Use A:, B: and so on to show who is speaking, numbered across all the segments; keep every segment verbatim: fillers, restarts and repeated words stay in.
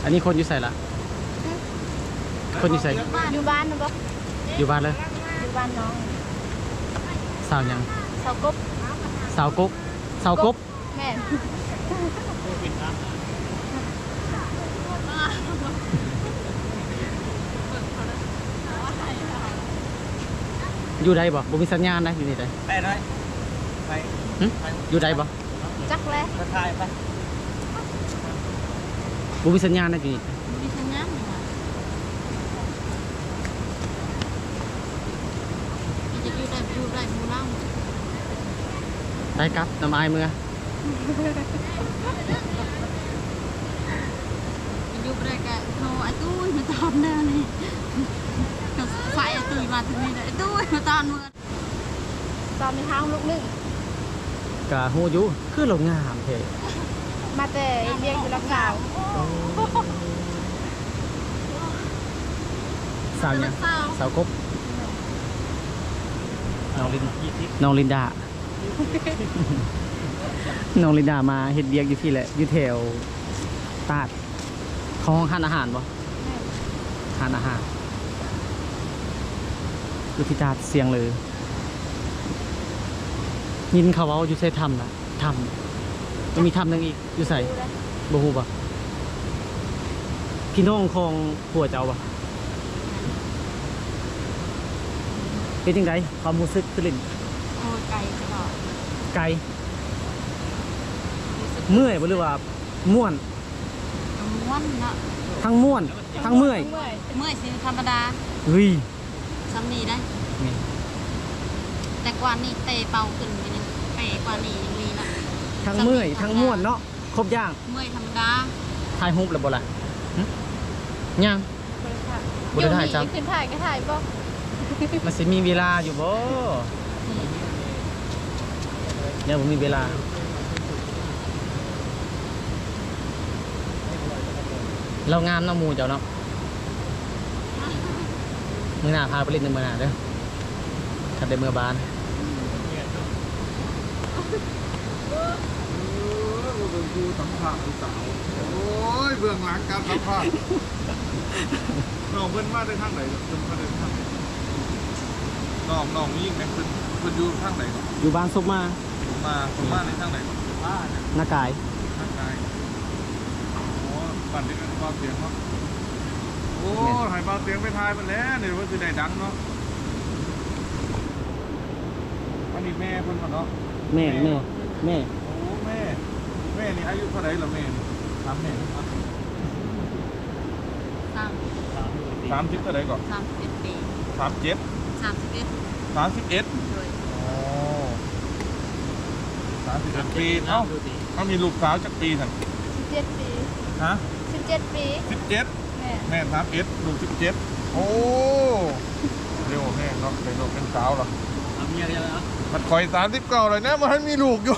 A: อันนี้คนอยู่ใส่ละคนอยู่ใส่
B: อยู่บ้านนะบ่
A: อยู่บ้านเลย
B: อยู่บ้านน้อง
A: สาวยัง
B: เสากบ
A: สาวกบสาวกบ
B: แม่
A: อยู่ใดบ่บ่มีสัญญาณนะอยู่นี่ได้
C: ไปได้ไป
A: หึอยู่ใดบ่
B: จักเลย
C: ไปถ่ายไป
A: บ่มีสัญญาณนะอยู่นี่
B: มีสัญญาณอยู่อ่ะจะอยู่ได้อยู่ได้หมู่เรา
A: ได้ครับน้ำอายมือ
B: อยู่บ่ได้ก็โทรไอ้ตุ้ยมาตอนเด้อนี่ก็ไฟไอ้ตุ้ยมาถึงนี่ได้ไอ้ตุ้ยมาตอนมื้อตอนในทางลูกนึง
A: กะฮู้อยู่คือโรงงามแท้
B: มาแต่เรียกอยู่ลำกาว
A: สาวยังสาวกบน้องลินน้องลินดา น้องลินดามาเฮ็ดเบียกอยู่ที่แหละอยู่แถวตาดของห้านอาหารบ่ห้านอาหารอยู่ที่ตาดเสียงเลยยินเขาเว้าอยู่ใส่ถ้ำน่ะถ้ำมันมีถ้ำหนึงอีกอยู่ใส่บ่ฮู้บ่พี่น้องของผัวเจ้าบ่เป็นจังไดความรู้สึกตื่น
B: โอ้ไกลตลอด
A: ไกลเมื่อยบ่หรือว่าม่วน
B: ม้วนเนาะ
A: ทั้งม่วนทั้งเมื่อย
B: เมื่อยสิธรรมดา
A: เฮ้ย
B: ซ้ำนี่ได้
A: นี่
B: แต่กว่านี้เตะเป่าขึ้นไปนึงเตะกว่านี้ยังมีนะ
A: ทั้งเมื่อยทั้งม่วนเนาะครบอย่าง
B: เมื่อยธรรมดา
A: ถ่ายรูปแล้วบ่ล่ะหึยังบ่ได้ถ่ายจ้ำ
B: ขึ้นถ่ายก็ถ่ายบ่
A: มันสิมีเวลาอยู่บ่ยังบ่มีเวลาเรางามเนาะหมู่เจ้าเนาะมื้อหน้าพาไปเล่นในมื้อหน้าเด้อคันได้เมื่อบาน
C: ดูสัมผัสสาวโอ้ยเบื้องหลังการสัมผัสน้องเพิ่นมาได้ทางไหนเพิ่นมาได้ทางไหนน้องน้องยิ่งแม่เพิ่นเพิ่นอยู่ทางไหน
A: อยู่บ้านซุปมา
C: มาผมมาในทางไหนบ้าน
A: หน้ากาย
C: ทางไหนโอ้ปั่นได้กันความเสียงเนาะโอ้หายเบาเสียงไปทายมันแล้วเนี่ยว่าสิได้ดังเนาะอันนี้แม่เพิ่นก่อนเนาะ
A: แม่แม่แม่
C: โอ้แม่แม่นี่อายุเท่าไหร่ละแม่ถามแม่
B: สาม
C: สามสิบเท่าไหร่ก่อน
B: สามสิบเอ็ดปี
C: สามเจ็ด
B: สามสิบเอ็ด
C: สามสิบเอ็ด
B: โดย
C: โอ้สามสิบเอ็ดปีเอ้าเขามีลูกสาวจักปีสั่น
B: สิบเจ็ดปี
C: ฮะ
B: สิบเจ็ดปี
C: สิบเจ็ด
B: แม่
C: แม่สามเอ็ดลูกสิบเจ็ดโอ้เร็วแม่เนาะเป็นลูกเป็นสาวเหรอ
A: เอาเมียกันแล้ว
C: มันคอยสามสิบเก้าเลยนะมันให้มีลูกอยู่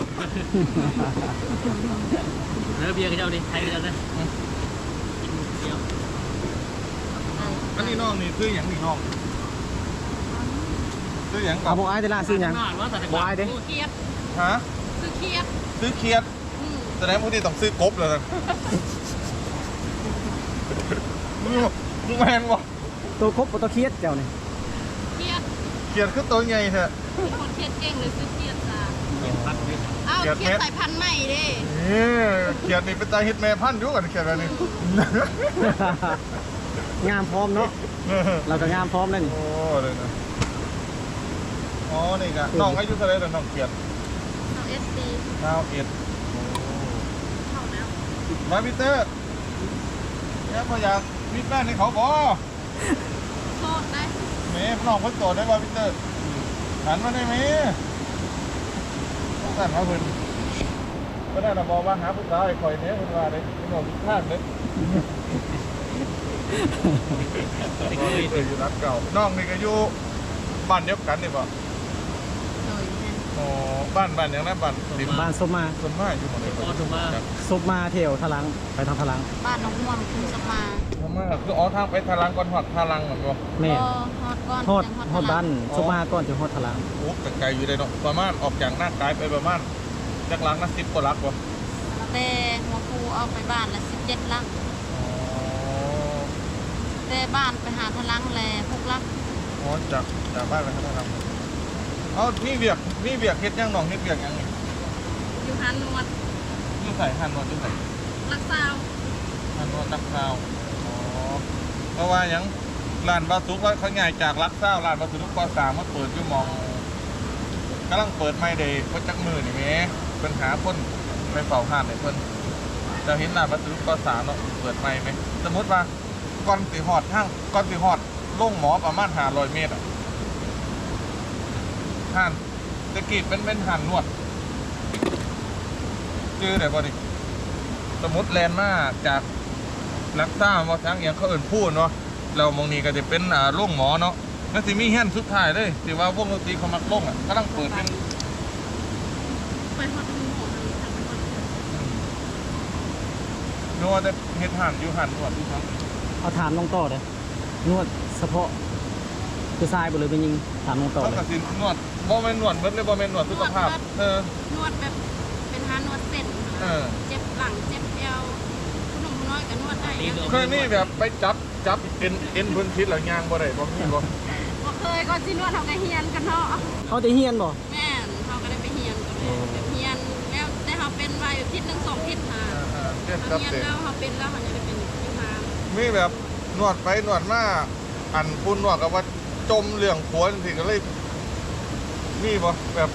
A: เนื้อเบียร์กันเจ้าดิใครกันเจ้าดิเดียว
C: อันนี้น้องนี่ซื้ออย่างนี่น้องซื้ออย่างก่อ
A: เอา
C: น
A: บ่อายแต่ละซื้อหยังบ่อายเด้
B: ซื้อเคียด
C: ฮะ
B: ซื้อเคียด
C: ซื้อเคียด
B: อืม
C: แสดงว่าที่ต้องซื้อกบเลยนะมึงแมนบ่
A: ตัวครบบ่ตัวเครียดเจ้านี่
B: เคียด
C: เคียดคือตัวใหญ่แท้
B: เป็นคนเคียดเก่งเลยซื้อเคียดจ้าอ้าว
C: เคียด
B: เคียด
C: เม็ด
B: สายพันธุ์ใหม่เด้
C: นี่เขียดนี่เป็นตาเฮ็ดแม่พันธุ์อยู่กันเขียดอะไรนี่
A: งามพร้อมเนาะเราก็งามพร้อมแล้วนี่
C: โอ้เลยนะอ๋อนี่กะน้องอายุเท่าไหร่แล้วน้องเขียด
B: เอาเอสดี
C: เก้าเอ็ด
B: เข้าแล้ว
C: มาพีเตอร์เนี่ยพออยากมีแป้นให้เขาบ่
B: โทษได้
C: แม่น้องเพิ่นโตได้บ่พีเตอร์หันมาได้ไหมต้องสั่นมาเพิ่นก็ได้นะบอกว่าหาผู้สาวให้ข่อยเนี่ยเพิ่นว่าเด้พี่น้องทุกท่านเด้เอออยู่รักเก่าน้องนี่ก็อยู่บ้านเดียวกันนี่บ่
B: โดยแม่
C: อ๋อบ้านบ้านอย่างนั้นบ้านริม
A: บ้านซุปมา
C: ส่วนมากอยู่หมดเลยส่วนมาก
A: ซุปมาเที่ยวทะลังไปทางทะลัง
B: บ้านน้องม่วงคุณสมา
C: ส่วนมากคืออ๋อทางไปทารังก่อนหอดทารังเหมือนกัน
A: แม่
B: ก็ฮอดก้อน
A: ฮอด
B: จัง
A: ฮอดบ้านซุปมาก่อนจะฮอดทะลัง
C: โอ้แต่ไกลอยู่เลยเนาะประมาณออกจากหน้ากายไปประมาณจากลังนะสิบกว่าลักวะ
B: แต่หัวคูเอาไปบ้านละสิบเจ็ดลัง
C: อ๋อ
B: แต่บ้านไปหาทะลังแลพวกลัก
C: อ๋อจากจากบ้านไปครับท่านเอานี่เบียกนี่เบียกเฮ็ดยังน้องเฮ็ดเบียกยังนี่
B: อยู่หันนวด
C: นี่ใส่หั่นนวดที่ใส่
B: รักษาว
C: หั่นนวดตักข้าวอ๋อเพราะว่าหยังร้านบาสุกเขาใหญ่จากรักเศร้าร้านบาสุกปสามมาเปิดอยู่หมองกำลังเปิดไม่ได้เพราะจักมือนี่แหม่เป็นหาคนไปเฝ้าห้านให้เพิ่นจะเห็นร้านบาสุกปสามเนาะเปิดไม่ไหมสมมติว่าก่อนสิฮอดทางก่อนสิฮอดลงหมอประมาณห้าร้อยเมตรอ่ะห้านตะกี้เป็นเป็นห้านนวดชื่อไหนบ่ดิสมมติแลนด์มาจากรักษาว่าทางอย่างเขาเอิ่นพูดเนาะเรามองนี้ก็จะเป็นอ่าโรงหมอเนาะนั่นสิมีแฮนสุดท้ายเลยที่ว่าวงดนตรีเขามักลงอ่ะกำลังเปิดเป็น
B: ไปฮอดมือหมอทางทางนวด
C: นวดแต่เฮ็ดหันอยู่หันนวดที่ทั้ง
A: เอาถามน้องต่อเลยนวดเฉพาะคือทรายบ่เลยเป็นยิงถามน้องต่อ
C: เขา
A: เลย
C: ก็สินวดบ่แม่นนวดเบิดเลยบ่แม่นนวดสุขภาพเออน
B: วดแบบเป็นหานวดเส้น
C: เออ
B: เจ็บหลังเจ็บเอวคุณหนุ่มน้อยก็นวดได้ยัง
C: เคยนี่แบบไปจับจับเอ็นเอ็นเพิ่นพิษแล้วย่างบ่ได้บ่มีบ่
B: บ่เคยก็สินวดเฮาก็เฮียนกันเนาะ
A: เขาจะเฮียนบ่
B: แม่นเฮาก็ได้ไปเฮียนกันเลยแบบเฮียนแล้วได้เฮาเป็นไว้ทิศหนึงสองทิศหา
C: อ่าๆเฮ็ด
B: เฮา
C: กับ
B: เฮียน
C: เด็ก
B: แล้วเฮาเป็นแล้วเฮาจะได้เป็นอยู่หา
C: มีแบบนวดไปนวดมาอันคุณนวดกับว่าจมเรื่องผัวจังซี่ก็เลยมีบ่แบบ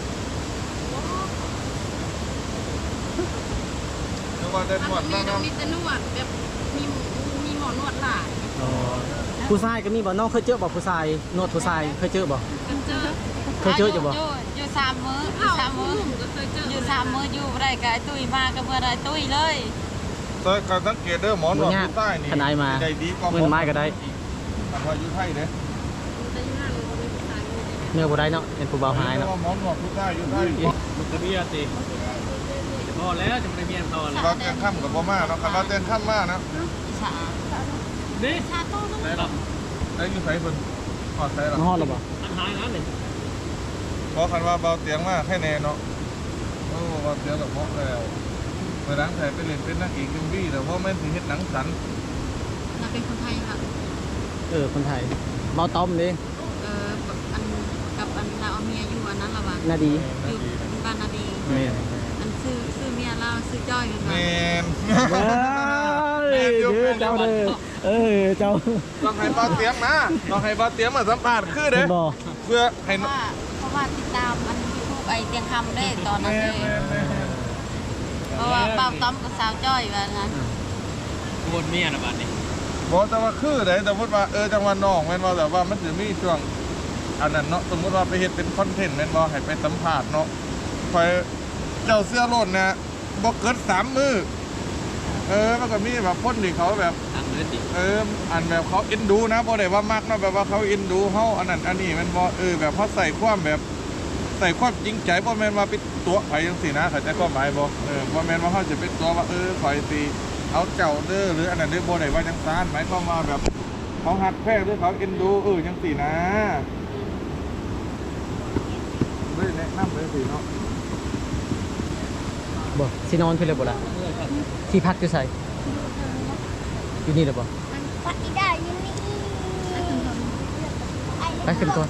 C: นึกว่าได้นวด
B: มี
C: นั่ง
B: มีแต่นวดแบบมีมีหมอนวดหลาย
A: ผู้ชายก็มีบ่น้องเคยเจอบ่ผู้ชายนวดผู้ชายเคยเจอบ่
B: กันเจอ
A: เคยเจออยู่บ่
D: อยู่อยู่สามมื้ออ
B: เอ้า
D: ยู่สามมื้อ
B: ก็เคยเจอ
D: อ
B: อยู่
D: สามมื้ออยู่บ่ได้ก็ไอ้ตุ้ยมาก็เมื่อได้ตุ้ยเลย
C: ๆแต่การสังเกตเด้อหมอนวดอยู่ใต้นี่
A: ทนายมา
C: ได้ดีกว่าห
A: มือไม้ก็ได้
C: อันว่าอยู่ไทยเด้
B: แต่อยู่นั่นบ่มีผู้ชายเลย
A: เนื้อบ่ได้เนาะเป็นผู้เบาหายเนาะ
C: หมอนวดอยู่ใต้อยู่ใต้
E: มันจะเมียสิพอแล้วจะไม่ได้เมียพอแล้ว
C: เราเต้นค่ำกับบ่มาเนาะคันเราเต้นค่ำมานะ
D: อีสาน
E: นี่
B: ชาโต้ต้อง
E: ไหนหรอ
C: ได้อยู่ไสเพิ่นฮอดไสล่ะ
A: มันฮอดแล้วบ่
E: อันหายนั้นเลย
C: เพราะคันว่าเบาเตียงมากแค่แน่เนาะโอ้เบาเตียงกับเหมาะแล้วเมื่อหลังไทยไปเล่นเป็นนักเอกเอ็มวีแต่เพราะแม่นสิเฮ็ดหนังสัน
B: เราเป็นคนไทยค่ะ
A: เออคนไทยเบาต้อมเด้
B: เอออันกับอันเราเอาเมียอยู่อันนั้นละวะ
A: น่าดี
B: อยู่บ้านนาดี
A: แม่น
B: อันซื้อซื้อเมียเราซื้อจ้อยกัน
C: แม
B: ว่ะ
C: น
A: เอ้ยเด้อเจ้าเด้อเออเจ้า
C: ต้องให้เบาเตียงนะต้องให้เบาเตียงมาสัมภาษณ์คือ
A: เห็
C: เด้
A: นบ่
C: เพื่อให้
D: เพราะว่าเพราะว่าติดตามอันยูทูบไอเตียงคำได้ตอน
C: แม
D: นั้นเล
C: น
D: ย
C: แมนแมน
D: เพราะว่าเบาต้อมกับสาวจ้อยว่างั้น
E: บนเมียนะบ้านนี้
C: บอกแต่ว่าคือเด้สมมติว่าเออจังหวัดน้องแม่นบ่แต่ว่ามันสิมีช่วงอันนั้นเนาะสมมุติว่าไปเฮ็ดเป็นคอนเทนต์แม่นบ่ให้ไปสัมภาษณ์เนาะคอยเจ้าเสื้อโลดนะบ่เกินสามมื้อเออมันก็มีแบบคนที่เขาแบบ
E: ทางเลือดดิ
C: เอออันแบบเขาเอ็นดูนะบ่ได้ว่ามักเนาะแบบว่าเขาเอ็นดูเฮาอันนั้นอันนี้แมันบ่เออแบบเขาใส่ความแบบใส่ความจริงใจบ่แม่นว่าไปตัวไผจังซี่นะเข้าใจความหมายบ่เออบ่แม่นว่าเฮาจะไปตัวว่าเออข่อยสิเอาเจ้าเด้อหรืออันนั้นเด้อบ่ได้ว่าจังซั่นหมายความว่าแบบเขาฮักแพงหรือเขาเอ็นดูเออจังซี่นะเฮ้ยแนะนำเลยสิเนาะ
A: บ่สินอนเพิ่นเลยบ่ล่ะที่พักอยู่ไสอยู่นี่เด้อบ่
F: ปักอีได้อยังนี่
A: ไปขึ้นก่อน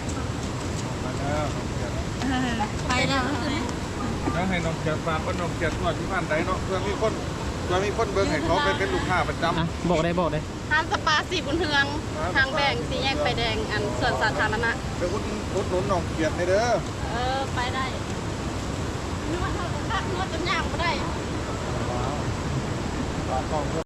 C: ไปแล้ว
B: ไปแล้ว
C: แล้วให้น้องเกียรติฝากว่าน้องเกียรติว่าที่บ้านใดเนาะเพื่อมีคนเพื่อมีคนเบิ่งให้เขาไปเป็นลูกค้าประจำ
A: อ่ะบอกได้บอกได้
B: ห้างสปาสีบุญเทืองทางแดงสีแยกไฟแดงอันส่วนสาธารณะ
C: ไปอุดอุดหนุนน้องเกียรติในเด้อ
B: เออไปได้นวดเท่ากับนวดจนยากไม่ได้
C: ฝากกล้อง